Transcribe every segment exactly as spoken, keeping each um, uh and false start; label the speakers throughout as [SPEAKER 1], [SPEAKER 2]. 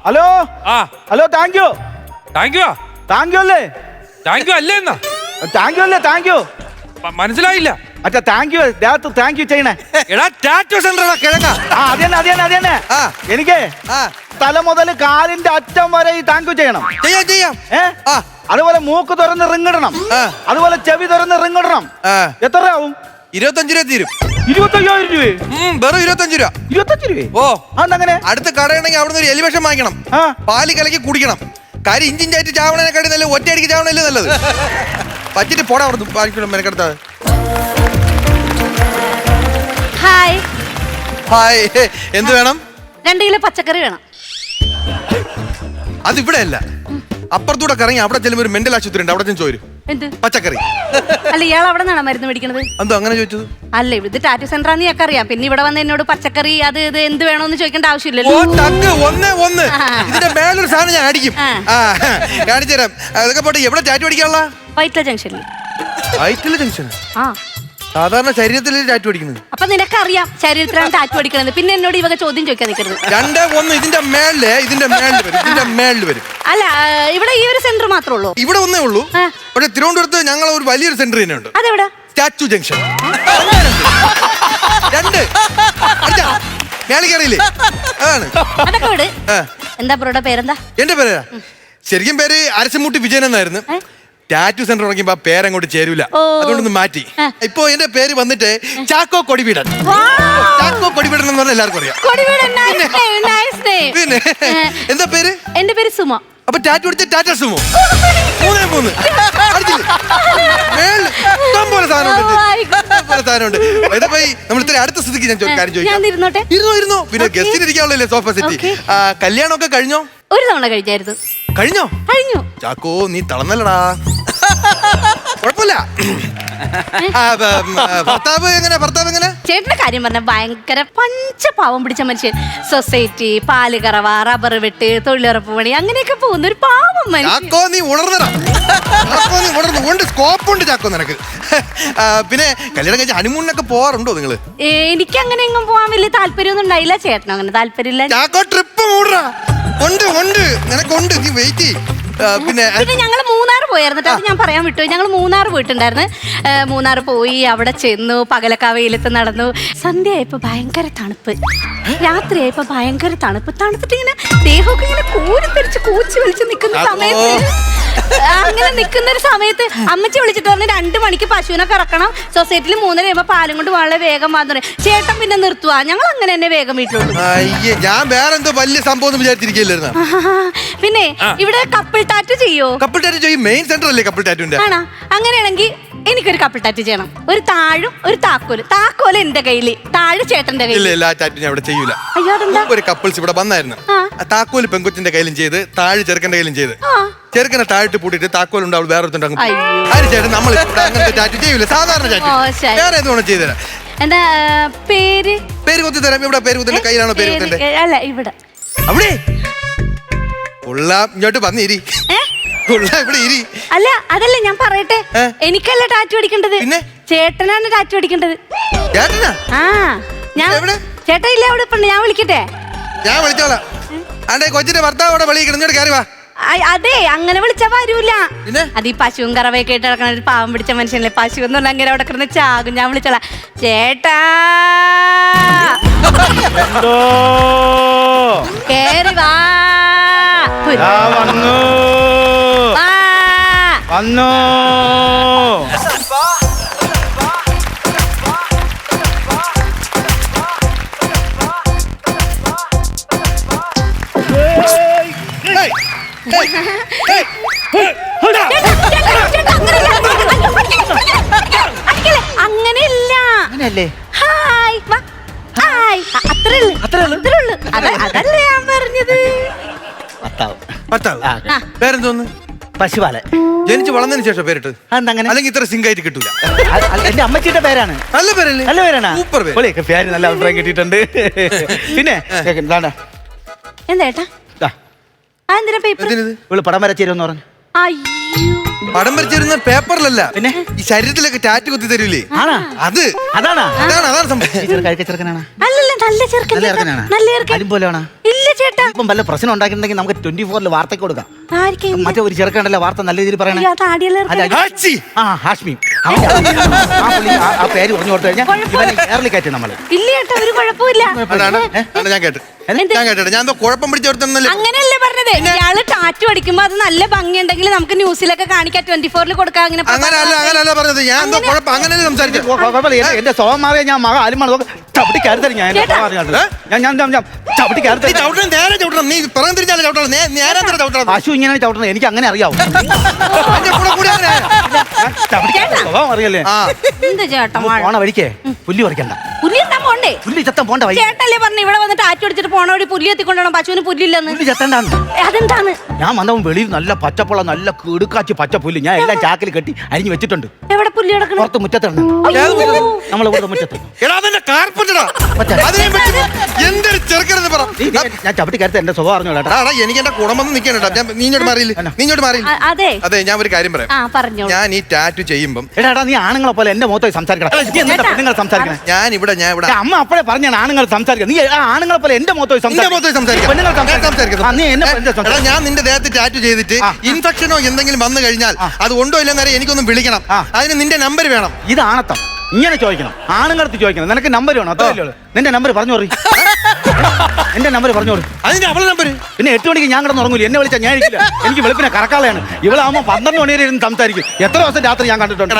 [SPEAKER 1] Hello
[SPEAKER 2] ആ
[SPEAKER 1] hello thank you
[SPEAKER 2] thank you
[SPEAKER 1] thank you അല്ലേ
[SPEAKER 2] thank you അല്ലേ എന്നാ
[SPEAKER 1] താങ്ക് യു അല്ലേ താങ്ക് യു
[SPEAKER 2] മനസ്സിലായില്ല.
[SPEAKER 1] അച്ഛാ താങ്ക് യു ദേഹത്ത് താങ്ക് യു ചെയ്യണേ.
[SPEAKER 2] എടാ ടാറ്റോ സെന്റർ കിഴങ്ങ.
[SPEAKER 1] ആ അത് തന്നെ അത് തന്നെ അത് തന്നെ എനിക്ക് തല മുതൽ കാലിന്റെ അറ്റം വരെ ഈ താങ്ക് യു ചെയ്യണം.
[SPEAKER 3] ചെയ്യാം ചെയ്യാം.
[SPEAKER 1] ഏ അതുപോലെ മൂക്ക് തുറന്ന് റിങ്ങിടണം, അതുപോലെ ചെവി തുറന്ന് റിങ്ങിടണം. എത്ര ആവും?
[SPEAKER 3] ഇരുപത്തഞ്ച് രൂപ തീരും.
[SPEAKER 1] ഇരുപത്തയ്യായിരം രൂപ
[SPEAKER 3] വെറും ഇരുപത്തഞ്ച് രൂപ.
[SPEAKER 1] ഇരുപത്തഞ്ച് രൂപ?
[SPEAKER 3] ഓ
[SPEAKER 1] അതങ്ങനെ
[SPEAKER 3] അടുത്ത കടയാണെങ്കിൽ അവിടുന്ന് ഒരു എലിവേഷൻ വാങ്ങിക്കണം, പാല് കലക്കി കുടിക്കണം. കാര്യം ഇഞ്ചിഞ്ചായിട്ട് ചാവണേനെക്കാട്ടി നല്ല ഒറ്റയടിക്ക് ചാവണല്ലേ നല്ലത്. പറ്റിട്ട് പോടാ അവിടുന്ന് മെനക്കെടുത്താ.
[SPEAKER 4] ഹായ്
[SPEAKER 3] ഹായ്, എന്ത് വേണം?
[SPEAKER 4] രണ്ട് കിലോ പച്ചക്കറി വേണം.
[SPEAKER 3] അതിവിടെ അല്ല, അപ്പുറത്തൂടെ കറങ്ങി അവിടെ ചെല്ലുമ്പോ ഒരു മെന്റൽ ആശുപത്രി ഉണ്ട്, അവിടെ ചെന്ന് ചോരും
[SPEAKER 4] എന്ത്
[SPEAKER 3] പച്ചക്കറി.
[SPEAKER 4] അല്ല ഇയാൾ അവിടെ നിന്നാണ് മരുന്ന് മേടിക്കണത്?
[SPEAKER 3] എന്തോ അങ്ങനെ ചോദിച്ചത്?
[SPEAKER 4] അല്ല ഇത് ടാറ്റു സെന്റർ ആണെന്ന് ഞങ്ങൾക്ക് അറിയാം. പിന്നെ ഇവിടെ വന്ന് എന്നോട് പച്ചക്കറി അത് ഇത് എന്ത് വേണോന്ന് ചോദിക്കേണ്ട
[SPEAKER 3] ഓ
[SPEAKER 4] ആവശ്യമില്ലല്ലോ.
[SPEAKER 3] ടക്ക് ഒന്ന് ഒന്ന് ഇതിന്റെ മേലൊരു സാധനം ഞാൻ അടിക്കും. ആ കാണിച്ചു തരാം. അതൊക്കെ പോട്ടെ, എവിടെ ടാറ്റു അടിക്കാനുള്ള?
[SPEAKER 4] വൈറ്റ്ല ജംഗ്ഷനിൽ.
[SPEAKER 3] വൈറ്റില ജംഗ്ഷൻ?
[SPEAKER 4] ആ
[SPEAKER 3] സാധാരണ ശരീരത്തിൽ ടാറ്റു അടിക്കുന്നത്.
[SPEAKER 4] അപ്പൊ നിനക്കറിയാം ശരീരത്തിലാണ് ടാറ്റു അടിക്കണത്, പിന്നെ എന്നോട് ഇവക ചോദ്യം ചോദിക്കാൻ നിൽക്കരുത്.
[SPEAKER 3] രണ്ട് ഒന്ന് ഇതിന്റെ മേളില് ഇതിന്റെ മേളിൽ വരും, ഇതിന്റെ മേളിൽ വരും.
[SPEAKER 4] അല്ല ഇവിടെ ഈ ഒരു സെന്റർ മാത്രമേ ഉള്ളൂ?
[SPEAKER 3] ഇവിടെ ഒന്നേ ഉള്ളൂ. പക്ഷെ തിരുവനന്തപുരത്ത് ഞങ്ങൾ ഒരു വലിയൊരു സെന്റർ തന്നെ ഉണ്ട്.
[SPEAKER 4] അതെവിടെ?
[SPEAKER 3] Statue junction. രണ്ട് മേളിൽ കയറിയില്ലേ, അതാണ്.
[SPEAKER 4] അതൊക്കെ വിട്. എന്താ ബ്രോയുടെ പേരെന്താ?
[SPEAKER 3] എന്റെ പേരാ ശരിക്കും പേര് അരശമുട്ടി വിജയൻ എന്നായിരുന്നു. ടാറ്റു സെന്റർ തുടങ്ങിയപ്പോ പേരങ്ങോട്ട് ചേരൂല, അതുകൊണ്ടൊന്ന് മാറ്റി. ഇപ്പൊ എന്റെ പേര് വന്നിട്ട് ചാക്കോ കൊടിവീടൻ. ചാക്കോ കൊടിവീടൻ എന്ന് പറഞ്ഞാൽ എല്ലാവർക്കും അറിയാം. പിന്നെ എന്താ പേര്?
[SPEAKER 4] എന്റെ പേര് സുമ.
[SPEAKER 3] അപ്പൊ ടാറ്റു അടിച്ച ടാറ്റ സുമോ? മൂന്നേ മൂന്ന് പോലെ സാധനമുണ്ട്. നമ്മൾ ഇത്ര അടുത്ത സ്ഥിതിക്ക് ഞാൻ കാര്യം ചോദിക്കാം. ഇരുന്നോ ഇരുന്നോ. പിന്നെ ഗസ്റ്റിന് ഇരിക്കാനുള്ളല്ലേ സോഫ സെറ്റ്. കല്യാണമൊക്കെ കഴിഞ്ഞോ?
[SPEAKER 4] ഒരു തവണ കഴിഞ്ഞായിരുന്നു.
[SPEAKER 3] കഴിഞ്ഞോ?
[SPEAKER 4] കഴിഞ്ഞു.
[SPEAKER 3] ചാക്കോ നീ തളന്നല്ലടാ. കുഴപ്പമില്ല. ഭർത്താവ് എങ്ങനെ? ഭർത്താവ് എങ്ങനെ?
[SPEAKER 4] ചേട്ടന്റെ കാര്യം പറഞ്ഞ ഭയങ്കര പഞ്ചപാവം പിടിച്ച മനുഷ്യൻ. സൊസൈറ്റി, പാല് കറവ, റബ്ബർ വെട്ട്, തൊഴിലുറപ്പ് പണി, അങ്ങനെയൊക്കെ പോകുന്ന ഒരു പാവം മനുഷ്യൻ.
[SPEAKER 3] ചാക്കോ നീ ഉണർന്നടാ. ചാക്കോ നീ ഉണർന്നു. സ്കോപ്പ് ഉണ്ട് ചാക്കോ നിനക്ക്. പിന്നെ കല്യാണം കഴിച്ച ഹണിമൂണിനൊക്കെ പോവാറുണ്ടോ നിങ്ങള്?
[SPEAKER 4] എനിക്ക് അങ്ങനെ എങ്ങും പോവാൻ വലിയ താല്പര്യമൊന്നും ഉണ്ടായില്ല. ചേട്ടനും അങ്ങനെ താല്പര്യമില്ല.
[SPEAKER 3] ചാക്കോ ട്രിപ്പ് മൂടാ. ഉണ്ട് ഉണ്ട് നിനക്കുണ്ട്, നീ വെയിറ്റ്. പിന്നെ
[SPEAKER 4] പിന്നെ ഞങ്ങൾ മൂന്നാർ പോയായിരുന്നു. അത് ഞാൻ പറയാൻ വിട്ടു. ഞങ്ങൾ മൂന്നാർ പോയിട്ടുണ്ടായിരുന്നു. മൂന്നാർ പോയി, അവിടെ ചെന്നു, പകലൊക്കെ വെയിലത്ത് നടന്നു. സന്ധ്യയായപ്പോ ഭയങ്കര തണുപ്പ്, രാത്രിയായപ്പോ ഭയങ്കര തണുപ്പ്. തണുത്തിട്ട് ഇങ്ങനെ ദേഹമൊക്കെ ഇങ്ങനെ കൂരിത്തെരിച്ച് കൂച്ചി വലിച്ച് നിൽക്കുന്ന സമയത്ത് അങ്ങനെ നിൽക്കുന്ന ഒരു സമയത്ത് അമ്മച്ചി വിളിച്ചിട്ട് പറഞ്ഞു രണ്ടു മണിക്ക് പശുവിനെ കറക്കണം, സൊസൈറ്റിയിൽ മൂന്നര ആകുമ്പോ പാലും കൊണ്ട് വളരെ വേഗം വന്നു. ചേട്ടൻ പിന്നെ നിർത്തുക. ഞങ്ങൾ അങ്ങനെ തന്നെ വേഗം വീട്ടിലോട്ട്.
[SPEAKER 3] ഞാൻ വേറെ എന്തോ വലിയ സംഭവം വിചാരിച്ചിരിക്കില്ലായിരുന്നു.
[SPEAKER 4] പിന്നെ ഇവിടെ കപ്പിൾ ടാറ്റു ചെയ്യോ?
[SPEAKER 3] കപ്പിൾ ടാറ്റു ചെയ്യും. മെയിൻ സെന്റർ അല്ലേ കപ്പിൾ ടാറ്റുവിന്റെ? ആണോ?
[SPEAKER 4] അങ്ങനെയാണെങ്കിൽ എനിക്കൊരു കപ്പിൾ ടാറ്റു ചെയ്യണം. ഒരു താഴും ഒരു താക്കോല്. താക്കോല് എന്റെ കയ്യില്, താഴ് ചേട്ടന്റെ കയ്യിൽ.
[SPEAKER 3] ഇല്ല, ടാറ്റു ഞാൻ ഇവിടെ ചെയ്യൂല. ഒരു കപ്പിൾസ് ഇവിടെ വന്നായിരുന്നു. താക്കോല് പെങ്കൊച്ചിന്റെ കയ്യിലും ചെയ്ത്, താഴ് ചെറുക്കന്റെ കയ്യിലും ചെയ്ത്. ചെറുക്കനെ താഴ്ത്തി പൂട്ടിട്ട് താക്കോലുണ്ട് അവൾ വേറെ ആര് ചേട്ടൻ നമ്മൾ അങ്ങനത്തെ ടാറ്റു ചെയ്യൂല. സാധാരണ ടാറ്റു വേറെ ഏത് വേണം ചെയ്തുതരാം.
[SPEAKER 4] എന്താ പേര്?
[SPEAKER 3] പേര് കുത്തി തരാം. ഇവിടെ പേര് കുത്തിന്റെ കയ്യിലാണോ പേര് കുത്തിന്റെ?
[SPEAKER 4] അല്ല ഇവിടെ.
[SPEAKER 3] അവിടെ കൊള്ളാം. ഇങ്ങോട്ട് വന്നിരി. ഇവിടെ ഇരി.
[SPEAKER 4] അല്ല അതല്ലേ ഞാൻ പറയട്ടെ, എനിക്കല്ല ടാറ്റു അടിക്കേണ്ടത്, ചേട്ടനാണ് ടാറ്റു അടിക്കേണ്ടത്.
[SPEAKER 3] ചേട്ടനാ?
[SPEAKER 4] ആ ഞാൻ ചേട്ടൻ ഇല്ല അവിടെ. ഞാൻ വിളിക്കട്ടെ?
[SPEAKER 3] ഞാൻ വിളിച്ചോളാം. ആണ്ടെ കൊച്ചിന്റെ ഭർത്താവ് അവിടെ വിളിക്കണം. ഇങ്ങോട്ട് കയറി വാ.
[SPEAKER 4] അതെ അങ്ങനെ വിളിച്ചാ വരൂല. അത് ഈ പശുവും കറവയൊക്കെ ഇട്ട് നടക്കണ ഒരു പാവം പിടിച്ച മനുഷ്യനല്ലേ. പശു എന്ന് പറഞ്ഞാൽ അങ്ങനെ അവിടെ കിടന്ന് ചാകും. ഞാൻ വിളിച്ചോളാം. ചേട്ടാ കേറി വാ.
[SPEAKER 1] വന്നു വന്നു.
[SPEAKER 4] അങ്ങനെയല്ല. ഹായ് ഹായ് അത്രേ ഉള്ളു. അത്രേ ഉള്ളു. അതല്ലേ ഞാൻ പറഞ്ഞത്.
[SPEAKER 3] പേരെന്തോന്ന്?
[SPEAKER 1] പശുപാല.
[SPEAKER 3] ജനിച്ച് വളർന്നതിന് ശേഷം പേരിട്ട് അല്ലെങ്കിൽ ഇത്ര സിംഗായിട്ട് കിട്ടൂല.
[SPEAKER 1] എന്റെ അമ്മച്ചിയുടെ പേരാണ്.
[SPEAKER 3] നല്ല പേരല്ലേ?
[SPEAKER 1] നല്ല പേരാണ്.
[SPEAKER 3] സൂപ്പർ
[SPEAKER 1] പേര്. നല്ല അഭിപ്രായം കിട്ടിയിട്ടുണ്ട്. പിന്നെ
[SPEAKER 4] എന്താ ഏട്ടാ? അതെന്തിനാ പേപ്പർ?
[SPEAKER 1] പടം വരച്ചേരുന്ന് പറഞ്ഞു.
[SPEAKER 4] അയ്യോ
[SPEAKER 3] പടം വരച്ചിരുന്ന പേപ്പറിലല്ല
[SPEAKER 1] പിന്നെ?
[SPEAKER 3] ഈ ശരീരത്തിലൊക്കെ ടാറ്റ് കുത്തി തരൂലേ
[SPEAKER 1] ആണാ
[SPEAKER 3] അത്
[SPEAKER 1] അതാണ്
[SPEAKER 3] അതാണ് അതാണ് സംഭവം.
[SPEAKER 1] കഴിക്ക ചെറുക്കനാണ്
[SPEAKER 4] അല്ലല്ല നല്ല ചെറുക്കൻ
[SPEAKER 1] നല്ല
[SPEAKER 4] ചേട്ടാ.
[SPEAKER 1] ചെറുക്കനാണ്
[SPEAKER 4] നല്ല ചെറുക്കൻ
[SPEAKER 1] അലും പോലെയാണ്
[SPEAKER 4] ഇല്ല ചേട്ടാ.
[SPEAKER 1] ഇപ്പം വല്ല പ്രശ്നം ഉണ്ടാക്കിയിട്ടുണ്ടെങ്കിൽ നമുക്ക് ട്വന്റി ഫോറിൽ വാർത്തയ്ക്ക് കൊടുക്കാം.
[SPEAKER 4] ആർക്കും
[SPEAKER 1] മറ്റേ ഒരു ചെറുക്കണ്ടല്ലോ വാർത്ത നല്ല രീതിയിൽ പറയണേ.
[SPEAKER 4] അയ്യോ, അത് ആടിയുള്ള ചെറുക്കൻ.
[SPEAKER 1] അല്ല,
[SPEAKER 3] ആച്ചി.
[SPEAKER 1] ആ ഹാഷ്മി അവന്റെ ആ പുള്ളി ആ- ആ പേര് പറഞ്ഞു കൊടുത്തു കഴിഞ്ഞാൽ ഇവനെ എയർലി കയറ്റി നമ്മള്.
[SPEAKER 4] ഇല്ല ചേട്ടാ, ഒരു കുഴപ്പമില്ല.
[SPEAKER 3] അതാണ് അതാണ് ഞാൻ കേട്ടു
[SPEAKER 4] എന്ത്?
[SPEAKER 3] ഞാൻ കേട്ടോ ഞാൻ എന്തോ കുഴപ്പം പിടിച്ചെടുത്തല്ലേ.
[SPEAKER 4] അങ്ങനെയല്ലേ പറഞ്ഞത്. ഇയാള് ടാറ്റു അടിക്കുമ്പോ അത് നല്ല ഭംഗിയുണ്ടെങ്കിൽ നമുക്ക് ന്യൂസിലൊക്കെ കാണിക്കാം, ട്വന്റി ഫോറിൽ കൊടുക്കാം. അങ്ങനെ
[SPEAKER 3] അങ്ങനെയല്ല അങ്ങനെയല്ല പറഞ്ഞത്. ഞാൻ എന്തോ കുഴപ്പം അങ്ങനെയല്ലേ സംസാരിച്ചത്.
[SPEAKER 1] കൊ- കുഴപ്പമില്ല. എന്റെ- എന്റെ സ്വഭാവം മാറിയ ഞാൻ മക അലിമാണ് ചവിട്ടി കയറി തരും. ഞാൻ എന്റെ
[SPEAKER 4] ചേട്ടാ.
[SPEAKER 1] സ്വഭാവം അറിയാണ്ട്. ഞാൻ ഞാൻ ഞാൻ- ഞാൻ ചവിട്ടി കയറി
[SPEAKER 3] നീ
[SPEAKER 1] തരും.
[SPEAKER 3] ചവിട്ടണം നേരെ ചവിട്ടണം. നീ പിറം തിരിച്ചാലേ ചവിട്ടണം. നേ- നേരെ തന്നെ ചവിട്ടണം.
[SPEAKER 1] പശു ഇങ്ങനെ ചവിട്ടണം എനിക്ക് അങ്ങനെ അറിയാവും.
[SPEAKER 3] എന്റെ കൂടെ കൂടി അങ്ങനെ
[SPEAKER 1] ഞാൻ ചവിട്ടി കയറി സ്വഭാവം അറിയല്ലേ.
[SPEAKER 3] ആ
[SPEAKER 4] എന്ത് ചേട്ടാ
[SPEAKER 1] നമ്മൾ പോണ വഴിക്കേ പുല്ല് പറിക്കണ്ട.
[SPEAKER 4] പുല്ലി എത്താൻ പോണ്ടേ?
[SPEAKER 1] പുല്ല് ചത്തം പോണ്ട വഴി.
[SPEAKER 4] ചേട്ടല്ലേ പറഞ്ഞു ഇവിടെ വന്ന് ടാറ്റു അടിച്ചിട്ട് പോണ വഴി പുല്ലി എത്തിക്കൊണ്ടോ പശുവിന് പുല്ലില്ലെന്ന്.
[SPEAKER 1] പുല്ല് ചത്തണ്ടാണ്.
[SPEAKER 4] അതെന്താണ്?
[SPEAKER 1] ഞാൻ വന്നവൻ വെളിയിൽ നല്ല പച്ചപ്പുള്ള നല്ല കിടുക്കാച്ചി പച്ചപ്പുല്ല് ഞാൻ എല്ലാം ചാക്കിൽ കെട്ടി അരിഞ്ഞു വെച്ചിട്ടുണ്ട്.
[SPEAKER 4] എവിടെ പുല്ലി കിടക്കണം?
[SPEAKER 1] പുറത്ത് മുറ്റത്തുണ്ട്. നമ്മളെ ഇവിടെ മുറ്റത്ത്.
[SPEAKER 3] എടാ അതെന്റെ കാർപ്പറ്റടാ.
[SPEAKER 1] മറ്റേ.
[SPEAKER 3] അതിനെ പറ്റി എന്തൊരു ചെറുക്കനെന്ന് പറ.
[SPEAKER 1] നീ- നീ- ഞാൻ ചവിട്ടി കയറി എന്റെ സ്വഭാവം അറിഞ്ഞോളാം.
[SPEAKER 3] എടാ, എടാ, എനിക്ക് എന്റെ കുടുംബം നിൽക്കണം കേട്ടോ. ഞാൻ നീ ഇങ്ങോട്ട് മാറിയില്ല നീ ഇങ്ങോട്ട് മാറിയില്ല.
[SPEAKER 4] അ- അതെ
[SPEAKER 3] അതെ ഞാൻ ഒരു കാര്യം പറയാം.
[SPEAKER 4] ആ പറഞ്ഞോളൂ.
[SPEAKER 3] ഞാൻ ഈ ടാറ്റു ചെയ്യുമ്പം
[SPEAKER 1] എടാ എടാ നീ ആണുങ്ങളെ പോലെ എന്റെ മുഖത്ത് സംസാരിക്കണം. നീ എന്നിട്ടാ പെണ്ണുങ്ങൾ സംസാരിക്കണേ.
[SPEAKER 3] ഞാൻ ഇവിടെ ഞാൻ ഇവിടെ
[SPEAKER 1] എടാ, അമ്മ അപ്പഴേ പറഞ്ഞാണ് ആണുങ്ങൾ സംസാരിക്കണം. നീ ആ ആണുങ്ങളെ പോലെ എന്റെ മുഖത്ത്
[SPEAKER 3] നിന്റെ മുഖത്ത് സംസാരിക്കാം.
[SPEAKER 1] പെണ്ണുങ്ങൾ
[SPEAKER 3] ഞാൻ
[SPEAKER 1] സംസാരിക്കണം.
[SPEAKER 3] സംസാരിക്കാം.
[SPEAKER 1] ആ, നീ എന്നെ
[SPEAKER 3] ഏ,
[SPEAKER 1] പെണ്ണിന്റെ
[SPEAKER 3] എടാ,
[SPEAKER 1] സംസാരിക്കണം.
[SPEAKER 3] ഞാൻ നിന്റെ ദേഹത്ത് ടാറ്റു ചെയ്തിട്ട്
[SPEAKER 1] ആ.
[SPEAKER 3] ഇൻഫെക്ഷനോ എന്തെങ്കിലും വന്നു കഴിഞ്ഞാൽ അത് ഉണ്ടോ ഇല്ലെന്ന് അറിയാൻ എനിക്കൊന്ന് വിളിക്കണം.
[SPEAKER 1] ആ.
[SPEAKER 3] അതിന് നിന്റെ നമ്പർ വേണം.
[SPEAKER 1] ഇത് ആണത്തം. ഇങ്ങനെ ചോദിക്കണം. ആണുങ്ങളടുത്ത് ചോദിക്കണം. നിനക്ക് നമ്പർ വേണം. അത്രയല്ലേ ഉള്ളൂ. നിന്റെ നമ്പർ പറഞ്ഞു പറയും. എന്റെ നമ്പർ പറഞ്ഞു കൊടുക്കും.
[SPEAKER 3] അതിന്റെ അവളെ നമ്പർ
[SPEAKER 1] പിന്നെ എട്ട് മണിക്ക് ഞാൻ കിടന്ന് ഉറങ്ങൂല. എന്നെ വിളിച്ചാൽ ഞാൻ ഇരിക്കില്ല. എനിക്ക് വെളുപ്പിനെ കറക്കാളയാണ്. ഇവളാകുമ്പോൾ പന്ത്രണ്ട് മണി വരെ ഇരുന്ന് സംസാരിക്കും. എത്ര ദിവസം രാത്രി ഞാൻ കണ്ടിട്ടുണ്ട്.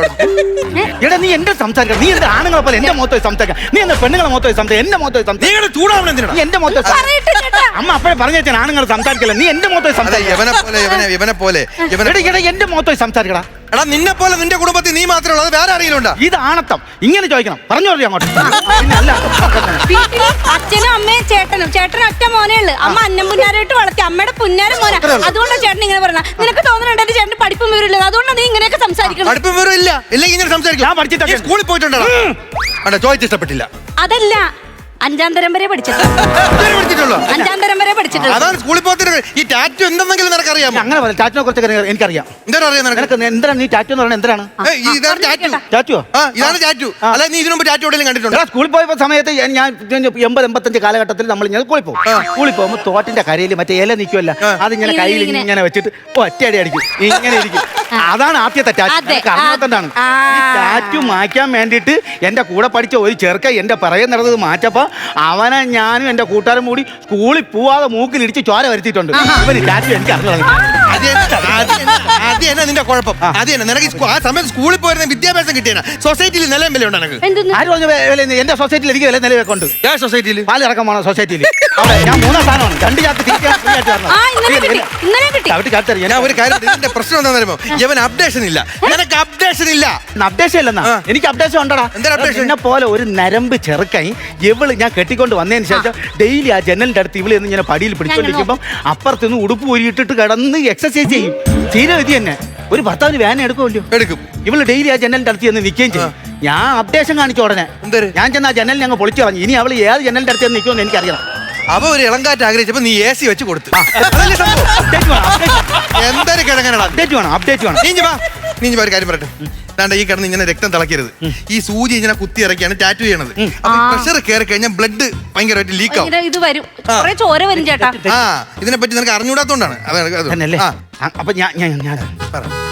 [SPEAKER 1] എടാ നീ എന്റെ സംസാരിക്കണം. നീ എന്റെ ആണുങ്ങളെ പോലെ എന്റെ മുഖത്ത് പോയി സംസാരിക്കാം. നീ എന്റെ പെണ്ണുങ്ങളെ മുഖത്ത് പോയി സംസാരിക്കാം. എന്റെ മുഖത്ത് പോയി സംസാരിക്കാം.
[SPEAKER 3] നീ ചൂടാവണം എന്തിനാ?
[SPEAKER 1] നീ എന്റെ മുഖത്ത് പോയി സംസാരിക്കാം.
[SPEAKER 4] പറയട്ടെ ചേട്ടാ.
[SPEAKER 1] അമ്മ അപ്പഴേ പറഞ്ഞു വെച്ചാൽ ആണുങ്ങൾ സംസാരിക്കില്ല. നീ എന്റെ മുഖത്ത് പോയി
[SPEAKER 3] അതെ
[SPEAKER 1] സംസാരിക്കാം.
[SPEAKER 3] യവനെ പോലെ യവനെ യവനെ പോലെ യവനെ
[SPEAKER 1] എടാ എടാ എന്റെ മുഖത്ത് പോയി സംസാരിക്കടാ.
[SPEAKER 3] എടാ നിന്നെ പോലെ നിന്റെ കുടുംബത്തിൽ നീ മാത്രമേ ഉള്ളൂ. അത് വേറെ ആരെങ്കിലും ഉണ്ടോ?
[SPEAKER 1] ഇത് ആണത്തം. ഇങ്ങനെ ചോദിക്കണം. പറഞ്ഞു പറഞ്ഞു അങ്ങോട്ട്. പിന്നെ അല്ല.
[SPEAKER 4] വീട്ടില് അച്ഛനും അമ്മയും ചേട്ടനും ചേട്ടനും ഒറ്റ മോനേ ഉള്ളു. അമ്മ അന്നം പുന്നാരായിട്ട് വളർത്തി. അമ്മയുടെ പുന്നാരം മോന. അതുകൊണ്ടാണ് ചേട്ടൻ ഇങ്ങനെ പറഞ്ഞ. നിനക്ക് തോന്നുന്നുണ്ട് എന്റെ ചേട്ടന് പഠിപ്പും വിവരമില്ല. അതുകൊണ്ടാണ് നീ ഇങ്ങനെയൊക്കെ സംസാരിക്കണം.
[SPEAKER 3] പഠിപ്പും വേറെ ഇല്ല. ഇല്ലെങ്കിൽ ഇങ്ങനെ സംസാരിക്കും.
[SPEAKER 1] ഞാൻ പഠിച്ചിട്ടൊക്കെ
[SPEAKER 3] നീ സ്കൂളിൽ പോയിട്ടുണ്ടോ? അണ്ട ചോദിച്ച് ഇഷ്ടപ്പെട്ടില്ല.
[SPEAKER 4] അതല്ല, അഞ്ചാം തരം വരെ പഠിച്ചിട്ടുണ്ട്.
[SPEAKER 3] ഇതുവരെ പഠിച്ചിട്ടുള്ളോ?
[SPEAKER 4] അഞ്ചാം തരം വരെ പഠിച്ചിട്ടുണ്ട്.
[SPEAKER 3] അതാണ് സ്കൂളിൽ പോകത്തിന്. ഈ ടാറ്റു എന്തെങ്കിലും നിനക്കറിയാമോ?
[SPEAKER 1] അങ്ങനെ പറയാം. ടാറ്റിനെ കുറിച്ചൊക്കെ എനിക്കറിയാം.
[SPEAKER 3] എന്താണ് അറിയാം നിനക്ക്?
[SPEAKER 1] നിനക്ക് എന്തിനാണ് നീ ടാറ്റു എന്ന് പറയുന്നത്? എന്തിനാണ്
[SPEAKER 3] ഏയ്, ഈ ഇതാണ് ടാറ്റു.
[SPEAKER 1] ടാറ്റുവോ?
[SPEAKER 3] ആ ഇതാണ് ടാറ്റു. അല്ല നീ ഇതിനു മുമ്പ് ടാറ്റു എവിടെയെങ്കിലും കണ്ടിട്ടുണ്ടോ?
[SPEAKER 1] എടാ, സ്കൂളിൽ പോയപ്പോ സമയത്ത് ഞാൻ- ഞാൻ എൺപത് എൺപത്തഞ്ച് കാലഘട്ടത്തിൽ നമ്മൾ ഇങ്ങനെ സ്കൂളിൽ പോകും. സ്കൂളിൽ പോകുമ്പോൾ തോട്ടിന്റെ കരയിൽ മറ്റേ ഇല നിൽക്കുമല്ല, അതിങ്ങനെ
[SPEAKER 4] ഇങ്ങനെ
[SPEAKER 1] കയ്യിൽ
[SPEAKER 4] ഇങ്ങനെ.
[SPEAKER 1] ഇങ്ങനെ വെച്ചിട്ട് ഒറ്റയടി അടിക്കും. ഇങ്ങനെ ഇരിക്കും. അതാണ് ആദ്യത്തെ ടാറ്റു.
[SPEAKER 4] അതെ.
[SPEAKER 1] അറിഞ്ഞാത്തതാണ്.
[SPEAKER 4] ആ.
[SPEAKER 1] ഈ ടാറ്റു മാറ്റാൻ വേണ്ടിയിട്ട് എന്റെ കൂടെ പഠിച്ച ഒരു ചെറുക്ക എന്റെ പിറകെ നടന്നത് മാറ്റപ്പോ അവനെ ഞാനും എന്റെ കൂട്ടുകാരും കൂടി സ്കൂളിൽ പോവാതെ മൂക്കിലിടിച്ച് ചോര വരുത്തിയിട്ടുണ്ട്. ഇവന് ടാറ്റു എനിക്ക് അറിഞ്ഞു.
[SPEAKER 3] അത് തന്നെ, അത് തന്നെ, അത് തന്നെ നിന്റെ കുഴപ്പം. അത് തന്നെ നിനക്ക് ഈ സ്കൂ- ആ സമയത്ത് സ്കൂളിൽ പോയിരുന്ന വിദ്യാഭ്യാസം കിട്ടിയ സൊസൈറ്റിയിൽ നിലയും വില ഉണ്ടോ നിനക്ക്?
[SPEAKER 4] എന്തെന്ന്?
[SPEAKER 1] ആര് പറഞ്ഞു വേ- വില- എന്റെ സൊസൈറ്റിയിൽ എനിക്ക് വില നിലവെക്കൊണ്ട്
[SPEAKER 3] ഏ സൊസൈറ്റിയിൽ
[SPEAKER 1] പാലിറക്കം പോണ സൊസൈറ്റിയിൽ അവിടെ ഞാൻ മൂന്നാം സ്ഥാനമാണ്. രണ്ട് ചാക്ക് തിരിക്കാൻ free ആയിട്ട് തരണം.
[SPEAKER 4] ആ ഇന്നലെ കിട്ടി, ഇന്നലെ കിട്ടി.
[SPEAKER 1] ചവിട്ടി കാത്തറിയാം.
[SPEAKER 3] ഞാൻ ഒരു കാര്യം ഇതിന്റെ പ്രശ്നം എന്താണെന്ന് അറിയുമോ? ഇവൻ അപ്ഡേഷൻ ഇല്ല. നിനക്ക് അപ്ഡേഷൻ ഇല്ല.
[SPEAKER 1] അപ്ഡേഷൻ ഇല്ലെന്നാ.
[SPEAKER 3] ആ.
[SPEAKER 1] എനിക്ക് അപ്ഡേഷൻ ഉണ്ടടാ.
[SPEAKER 3] എന്തൊരു updation?
[SPEAKER 1] എന്നെ പോലെ ഒരു നരമ്പ് ചെറുക്കായി ഇവള് ഞാൻ കെട്ടിക്കൊണ്ട് വന്നതിന് ശേഷം ഡെയിലി ആ ജനലിന്റെ അടുത്ത് ഇവള് എന്ന് ഇങ്ങനെ പടിയിൽ പിടിച്ചോണ്ടിരിക്കുമ്പോൾ അപ്പുറത്തുനിന്ന് ഉടുപ്പ് ഊരിയിട്ടിട്ട് കിടന്ന് എക്സസൈസ് ചെയ്യും. തീരെ വിധി തന്നെ. ഒരു ഭർത്താവിന് വേന എടുക്കുമല്ലോ.
[SPEAKER 3] എടുക്കും.
[SPEAKER 1] ഇവള് ഡെയിലി ആ ജനലിന്റെ അടുത്ത് ചെന്ന് നിൽക്കുകയും ചെയ്യും. ഞാൻ അപ്ഡേഷൻ കാണിച്ച ഉടനെ
[SPEAKER 3] എന്തര്?
[SPEAKER 1] ഞാൻ ചെന്ന് ആ ജനലിൽ ഞങ്ങൾ പൊളിച്ചു കളഞ്ഞു. ഇനി അവള് ഏത് ജനലിന്റെ അടുത്ത് ചെന്ന് നിൽക്കുമെന്ന് എനിക്കറിയണം.
[SPEAKER 3] അവ ഒരു ഇളങ്കാറ്റ് ആഗ്രഹിച്ചപ്പോ നീ എ സി വെച്ച് കൊടുത്തു. അതല്ലേ സംഭവം?
[SPEAKER 1] അപ്ഡേറ്റ് വേണം. അപ്ഡേറ്റ്
[SPEAKER 3] എന്തൊരു കിഴങ്ങനടാ.
[SPEAKER 1] അപ്ഡേറ്റ് വേണം. അപ്ഡേറ്റ് വേണം.
[SPEAKER 3] നീ ഇഞ്ഞി വാ. നീ ഇഞ്ഞി വാ, ഒരു കാര്യം പറയട്ടെ. ദാണ്ട ഈ കിടന്ന് ഇങ്ങനെ രക്തം തിളക്കരുത്. ഈ സൂചി ഇങ്ങനെ കുത്തി ഇറക്കിയാണ് ടാറ്റു ചെയ്യണത്. അപ്പൊ പ്രഷർ കയറി കഴിഞ്ഞാൽ ബ്ലഡ് ഭയങ്കരമായിട്ട് ലീക്ക് ആവും.
[SPEAKER 4] ഇങ്ങനെ ഇത് വരും, കുറെ ചോര വരും ചേട്ടാ.
[SPEAKER 3] ആ ഇതിനെ പറ്റി നിനക്ക് അറിഞ്ഞൂടാത്തോണ്ടാണ്. അതാണ് അത്.
[SPEAKER 1] തന്നെയല്ലേ?
[SPEAKER 3] ആ,
[SPEAKER 1] അപ്പൊ ഞാൻ ഞാൻ ഞാൻ
[SPEAKER 3] പറ.